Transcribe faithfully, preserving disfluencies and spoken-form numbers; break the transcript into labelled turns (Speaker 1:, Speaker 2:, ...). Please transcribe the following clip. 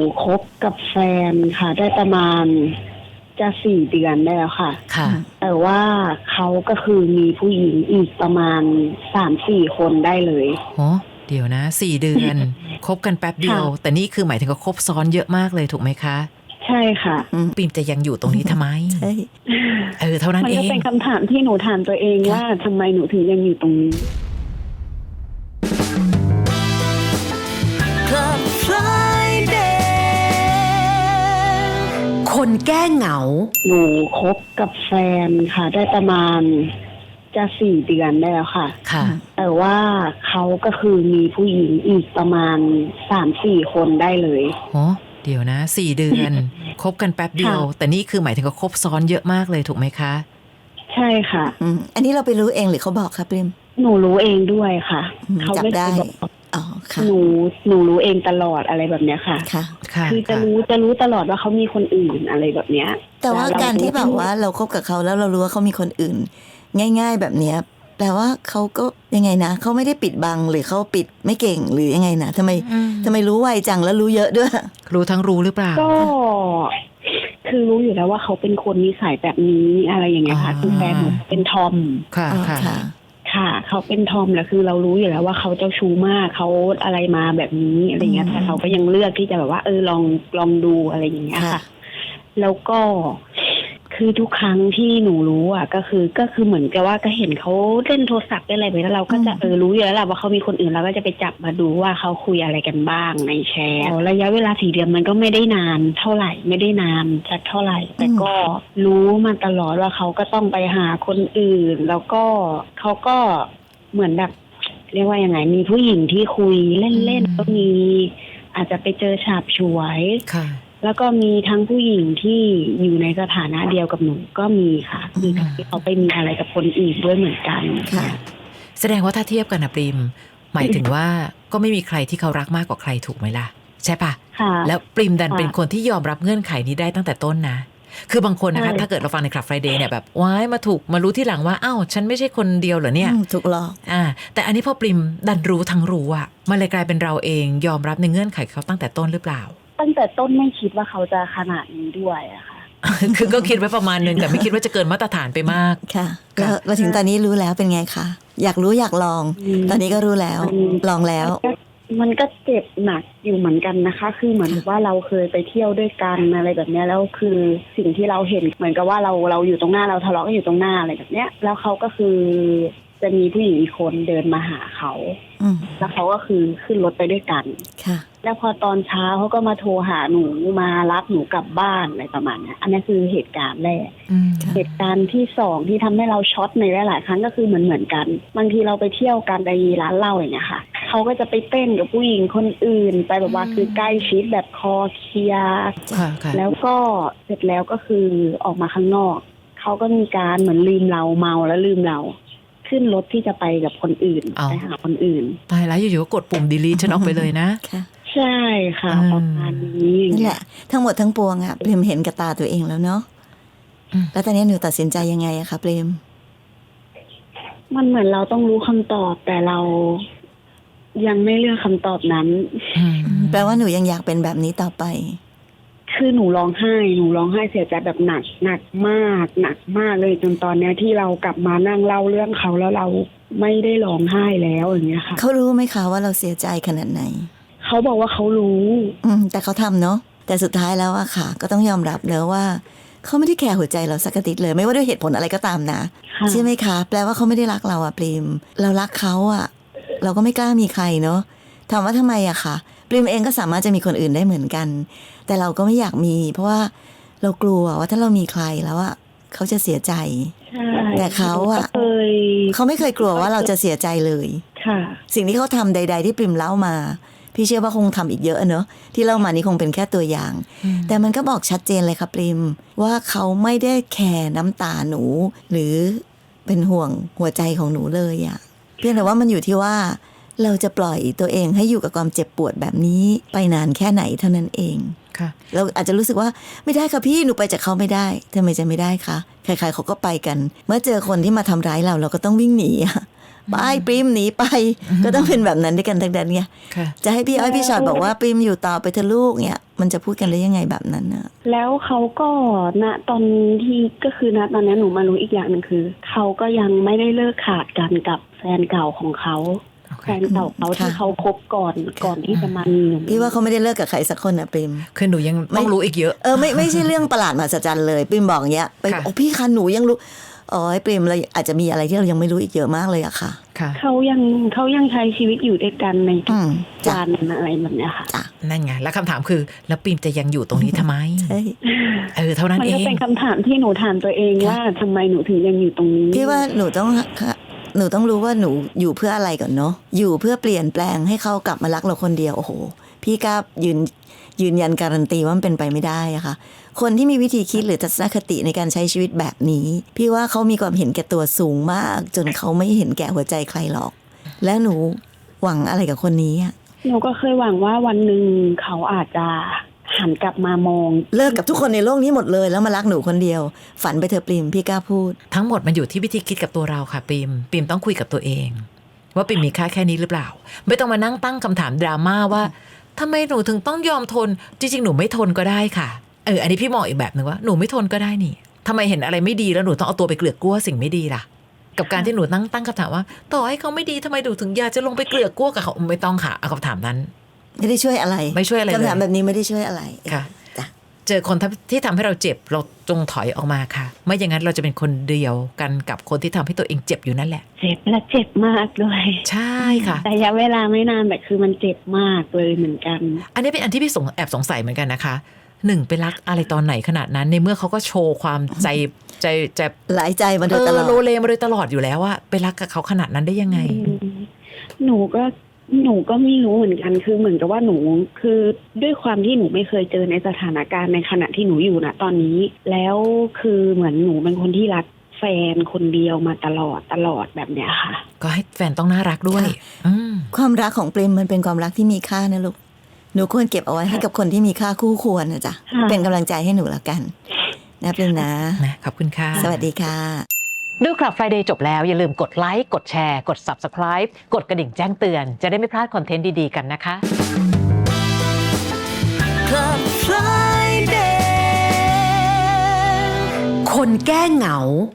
Speaker 1: คบกับแฟนค่ะได้ประมาณจะสี่เดือนได้แล้วค่ะ
Speaker 2: ค่ะ
Speaker 1: แต่ว่าเขาก็คือมีผู้หญิงอีกประมาณสามสี่คนได้เลย
Speaker 2: โอ้เดี๋ยวนะสี่เดือน คบกันแป๊บเดียวแต่นี่คือหมายถึงก็คบซ้อนเยอะมากเลยถูกไหมคะ
Speaker 1: ใช่ค่ะ
Speaker 2: ปิมจะยังอยู่ตรงนี้ทำไม
Speaker 3: ใช่
Speaker 2: เออเท่านั้นเอง
Speaker 1: มันก็เป็นคำถามที่หนูถามตัวเองว่าทำไมหนูถึงยังอยู่ตรงนี้
Speaker 4: คนแก้เหงา
Speaker 1: หนูคบกับแฟนค่ะได้ประมาณจะสี่เดือนได้แล้วค่ะ
Speaker 2: ค่ะ
Speaker 1: แต่ว่าเขาก็คือมีผู้หญิงอีกประมาณสามสี่คนได้เลย
Speaker 2: โอ้เดี๋ยวนะสี่เดือน คบกันแป๊บเดียวแต่นี่คือหมายถึงก็คบซ้อนเยอะมากเลยถูกไหมคะ
Speaker 1: ใช่ค่ะ
Speaker 3: อืมอันนี้เราไปรู้เองหรือเขาบอกคะปริม
Speaker 1: หนูรู้เองด้วยค่ะ
Speaker 3: เขาไม่ได้อ๋อค่ะ
Speaker 1: หนูหนูรู้เองตลอดอะไรแบบเนี้ยค่ะ
Speaker 3: ค่ะ
Speaker 1: คือจะรู้จะรู้ตลอดว่าเขามีคนอื่นอะไรแบบเนี้ย
Speaker 3: แต่ว่าการที่แบบว่าเราคบกับเขาแล้วเรารู้ว่าเขามีคนอื่นง่ายๆแบบเนี้ยแปลว่าเขาก็ยังไงนะเขาไม่ได้ปิดบังหรือเขาปิดไม่เก่งหรือยังไงนะทำไมทำไมรู้ไวจังแล้วรู้เยอะด้วย
Speaker 2: รู้ทั้งรู้หรือเปล่า
Speaker 1: ก็คือรู้อยู่แล้วว่าเขาเป็นคนนิสัยแบบนี้อะไรอย่างเงี้ยค่ะคือแฟนหนูเป็นทอม
Speaker 2: ค่ะค่ะ
Speaker 1: ค่ะเขาเป็นทอมแล้วคือเรารู้อยู่แล้วว่าเขาเจ้าชู้มากเขาอะไรมาแบบนี้อะไรเงี้ยแต่เขาก็ยังเลือกที่จะแบบว่าเออลองลองดูอะไรอย่างเงี้ยค่ะแล้วก็คือทุกครั้งที่หนูรู้อ่ะก็คือก็คือเหมือนกับว่าก็เห็นเขาเล่นโทรศัพท์อะไรไปแล้วเราก็จะเออรู้อยู่แล้วแหละว่าเขามีคนอื่นเราก็จะไปจับมาดูว่าเขาคุยอะไรกันบ้างในแชทระยะเวลาสี่เดือนมันก็ไม่ได้นานเท่าไหร่ไม่ได้นานสักเท่าไหร่แต่ก็รู้มาตลอดว่าเขาก็ต้องไปหาคนอื่นแล้วก็เขาก็เหมือนแบบเรียกว่ายังไงมีผู้หญิงที่คุยเล่นๆก็มีอาจจะไปเจอฉาบฉวยแล้วก็มีทั้งผู้หญิงที่อยู่ในสถานะเดียวกับหนูก็มีค่ะมีที่เขาไปมีอะไรกับคนอื่นด้วยเหมือนกัน
Speaker 3: ค่ะ
Speaker 2: แสดงว่าถ้าเทียบกันนะปริมหมายถึงว่าก็ไม่มีใครที่เขารักมากกว่าใครถูกไหมล่ะใช่ปะแล้วปริมดันเป็นคนที่ยอมรับเงื่อนไขนี้ได้ตั้งแต่ต้นนะคือบางคนนะคะถ้าเกิดเราฟังในคลับ Friday เนี่ยแบบว้ายมาถูกมารู้ที่หลังว่าอ้าวฉันไม่ใช่คนเดียวเหรอเนี่ย
Speaker 3: ถูกหรอก
Speaker 2: อ่าแต่อันนี้พอปริมดันรู้ทั้งรู้อ่ะมันเลยกลายเป็นเราเองยอมรับในเงื่อนไขเขาตั้งแต่ต้นหรือเปล่า
Speaker 1: ตั้งแต่ต้นไม่คิดว่าเขาจะขนาดนี้ด้วยอะค่ะ
Speaker 2: คือก็คิดไว้ประมาณนึงแต่ไม่คิดว่าจะเกินมาตรฐานไปมาก
Speaker 3: ค่ะแล้วมาถึงตอนนี้รู้แล้วเป็นไงคะอยากรู้อยากลองตอนนี้ก็รู้แล้วลองแล้ว
Speaker 1: มันก็เจ็บหนักอยู่เหมือนกันนะคะคือเหมือนว่าเราเคยไปเที่ยวด้วยกันอะไรแบบนี้แล้วคือสิ่งที่เราเห็นเหมือนกับว่าเราเราอยู่ตรงหน้าเราทะเลาะกันอยู่ตรงหน้าอะไรแบบเนี้ยแล้วเขาก็คือจะมีผู้หญิงอีกคนเดินมาหาเขาแล้วเขาก็คือขึ้นรถไปด้วยกัน
Speaker 3: ค่ะ
Speaker 1: แล้วพอตอนเช้าเขาก็มาโทรหาหนูมารับหนูกลับบ้านอะไรประมาณนี้อันนี้คือเหตุการณ์แรกเหตุการณ์ที่สองที่ทำให้เราช็อตในหลายๆครั้งก็คือเหมือนเหมือนกันบางทีเราไปเที่ยวกันในร้านเหล้าอย่างเงี้ยค่ะเขาก็จะไปเต้นกับผู้หญิงคนอื่นไปแบบว่าคือใกล้ชิดแบบคอเคลียร์แล้วก็เสร็จแล้วก็คือออกมาข้างนอกเขาก็มีการเหมือนลืมเราเมาแล้วลืมเราขึ้นรถที่จะไปกับคนอื่นไปหาคนอื่น
Speaker 2: ตายแล้วอยู่ๆก็กดปุ่ม delete ฉันออกไปเลยนะ
Speaker 1: ใช่ค่ะประมาณนี้
Speaker 3: นี่แหละทั้งหมดทั้งปวงอ่ะปริมเห็นกับตาตัวเองแล้วเนาะแล้วตอนนี้หนูตัดสินใจยังไงอะคะปริม
Speaker 1: มันเหมือนเราต้องรู้คำตอบแต่เรายังไม่เลือกคำตอบนั้น
Speaker 3: แปลว่าหนูยังอยากเป็นแบบนี้ต่อไป
Speaker 1: คือหนูร้องไห้หนูร้องไห้เสียใจแบบหนักหนักมากหนักมากเลยจนตอนนี้ที่เรากลับมานั่งเล่าเรื่องเขาแล้วเราไม่ได้ร้องไห้แล้วอย่างเงี้ยค่ะ
Speaker 3: เขารู้ไหมคะว่าเราเสียใจขนาดไหน
Speaker 1: เขาบอกว่าเขารู้
Speaker 3: อืมแต่เขาทำเนาะแต่สุดท้ายแล้วอะค่ะก็ต้องยอมรับแล้วว่าเขาไม่ได้แคร์หัวใจเราสักนิดเลยไม่ว่าด้วยเหตุผลอะไรก็ตามนะใช่ไหมคะแปลว่าเขาไม่ได้รักเราอะปริมเรารักเขาอะเราก็ไม่กล้ามีใครเนาะถามว่าทำไมอะค่ะปริมเองก็สามารถจะมีคนอื่นได้เหมือนกันแต่เราก็ไม่อยากมีเพราะว่าเรากลัวว่าถ้าเรามีใครแล้วอะเขาจะเสียใจแต่เขาอะเขาไม่เคยกลัวว่าเราจะเสียใจเลยสิ่งที่เขาทำใดๆที่ปริมเล่ามาพี่เชื่อว่าคงทำอีกเยอะเนอะที่เล่ามานี้คงเป็นแค่ตัวอย่างแต่มันก็บอกชัดเจนเลยค่ะปริมว่าเขาไม่ได้แคร์น้ำตาหนูหรือเป็นห่วงหัวใจของหนูเลยอะเพียงแต่ว่ามันอยู่ที่ว่าเราจะปล่อยตัวเองให้อยู่กับความเจ็บปวดแบบนี้ไปนานแค่ไหนเท่านั้นเองเราอาจจะรู้สึกว่าไม่ได้ค่ะพี่หนูไปจากเขาไม่ได้ทำไมจะไม่ได้คะใครๆเขาก็ไปกันเมื่อเจอคนที่มาทำร้ายเราเราก็ต้องวิ่งหนีไปปริมหนีไปก็ต้องเป็นแบบนั้นด้วยกันทั้งนั้นไงจะให้พี่อ้อยพี่ชอดบอกว่าปริมอยู่ต่อไปเถอะลูกเนี่ยมันจะพูดกันได้ยังไงแบบนั้นนะ
Speaker 1: แล้วเขาก็ณตอนที่ก็คือณตอนนี้หนูมารู้อีกอย่างหนึ่งคือเขาก็ยังไม่ได้เลิกขาดกันกับแฟนเก่าของเขาแฟนเก่าเขาที่เขาคบก่อนก่อนที่จะมามี
Speaker 3: พี่ว่าเขาไม่ได้เลิกกับใครสักคนนะปริม
Speaker 2: คือหนูยังต้องรู้อีกเยอะ
Speaker 3: เออไม่ไม่ใช่เรื่องประหลาดมหัศจรรย์เลยปริมบอกอย่างเงี้ยไปโอ้พี่คะหนูยังรู้อ๋อปริมเราอาจจะมีอะไรที่เรายังไม่รู้อีกเยอะมากเลยอะค่ะ
Speaker 1: เขายังเขายังใช้ชีวิตอยู่ด้วยกันในทุกวันอะไรแบบเนี้ยค่ะ
Speaker 2: นั่นไงแล้วคำถามคือแล้วปริมจะยังอยู่ตรงนี้ทำไมเออเท่านั้นเอง
Speaker 1: มันก็เป็นคำถามที่หนูถามตัวเองว่าทำไมหนูถึงยังอยู่ตรงนี้
Speaker 3: พี่ว่าหนูต้องหนูต้องรู้ว่าหนูอยู่เพื่ออะไรก่อนเนาะอยู่เพื่อเปลี่ยนแปลงให้เขากลับมารักเราคนเดียวโอ้โหพี่กล้ายืนยืนยันการันตีว่ามันเป็นไปไม่ได้อะค่ะคนที่มีวิธีคิดหรือทัศนคติในการใช้ชีวิตแบบนี้พี่ว่าเขามีความเห็นแก่ตัวสูงมากจนเขาไม่เห็นแก่หัวใจใครหรอกและหนูหวังอะไรกับคนนี้อะ
Speaker 1: หนูก็เคยหวังว่าวันหนึ่งเขาอาจจะหันกลับมามอง
Speaker 3: เลิกกับทุกคนในโลกนี้หมดเลยแล้วมารักหนูคนเดียวฝันไปเถอะปริมพี่กล้าพูด
Speaker 2: ทั้งหมดมันอยู่ที่วิธีคิดกับตัวเราค่ะปริมปริมต้องคุยกับตัวเองว่าปริมมีค่าแค่นี้หรือเปล่าไม่ต้องมานั่งตั้งคำถามดราม่าว่าทำไมหนูถึงต้องยอมทนจริงๆหนูไม่ทนก็ได้ค่ะเอออันนี้พี่มองอีกแบบนึงว่าหนูไม่ทนก็ได้นี่ทำไมเห็นอะไรไม่ดีแล้วหนูต้องเอาตัวไปเกลือกกลัวสิ่งไม่ดีล่ะกับการที่หนูนั่งตั้งคำถามว่าต่อให้เขาไม่ดีทำไมหนูถึงอยากจะลงไปเกลือกกลัวกับเขาไม่ต้องค่ะเอาคำถามนั้น
Speaker 3: ไม่ได้ช่วยอะไร
Speaker 2: ไม่ช่วยอะไร
Speaker 3: คำถามแบบนี้ไม่ได้ช่วยอะไร
Speaker 2: ค่ะเจอคนที่ทำให้เราเจ็บเราจงถอยออกมาค่ะไม่อย่างนั้นเราจะเป็นคนเดียวกันกับคนที่ทำให้ตัวเองเจ็บอยู่นั่นแหละ
Speaker 1: เจ็บและเจ็บมากด้วย
Speaker 2: ใช่ค่ะ
Speaker 1: แต่ระยะเวลาไม่นานแต่คือมันเจ็บมากเลยเหมือนกัน
Speaker 2: อันนี้เป็นอันที่พี่สงแอบสงสัยเหมือนกันนะคะหนึ่งไปรักอะไรตอนไหนขนาดนั้นในเมื่อเขาก็โชว์ความใจใจใจ
Speaker 3: หลายใจมาโดยตลอด
Speaker 2: โลเลมาโดยตลอดอยู่แล้วว่าไปรักกับเขาขนาดนั้นได้ยังไง
Speaker 1: หนูก็หนูก็ไม่รู้เหมือนกันคือเหมือนกับว่าหนูคือด้วยความที่หนูไม่เคยเจอในสถานการณ์ในขณะที่หนูอยู่นะตอนนี้แล้วคือเหมือนหนูเป็นคนที่รักแฟนคนเดียวมาตลอดตลอดแบบเนี้ยค่ะ
Speaker 2: ก็ให้แฟนต้องน่ารักด้วย
Speaker 3: ความรักของปริมมันเป็นความรักที่มีค่านะลูกหนูควรเก็บเอาไว้ให้กับคนที่มีค่าคู่ควรนะจ๊ะเป็นกำลังใจให้หนูแล้วกันนะปริมนะ
Speaker 2: ขอบคุณค่ะ
Speaker 3: สวัสดีค่ะ
Speaker 2: ดูคลับ Friday จบแล้วอย่าลืมกดไลค์กดแชร์กด Subscribe กดกระดิ่งแจ้งเตือนจะได้ไม่พลาดคอนเทนต์ดีๆกันนะคะ Club Friday คนแก้เหงา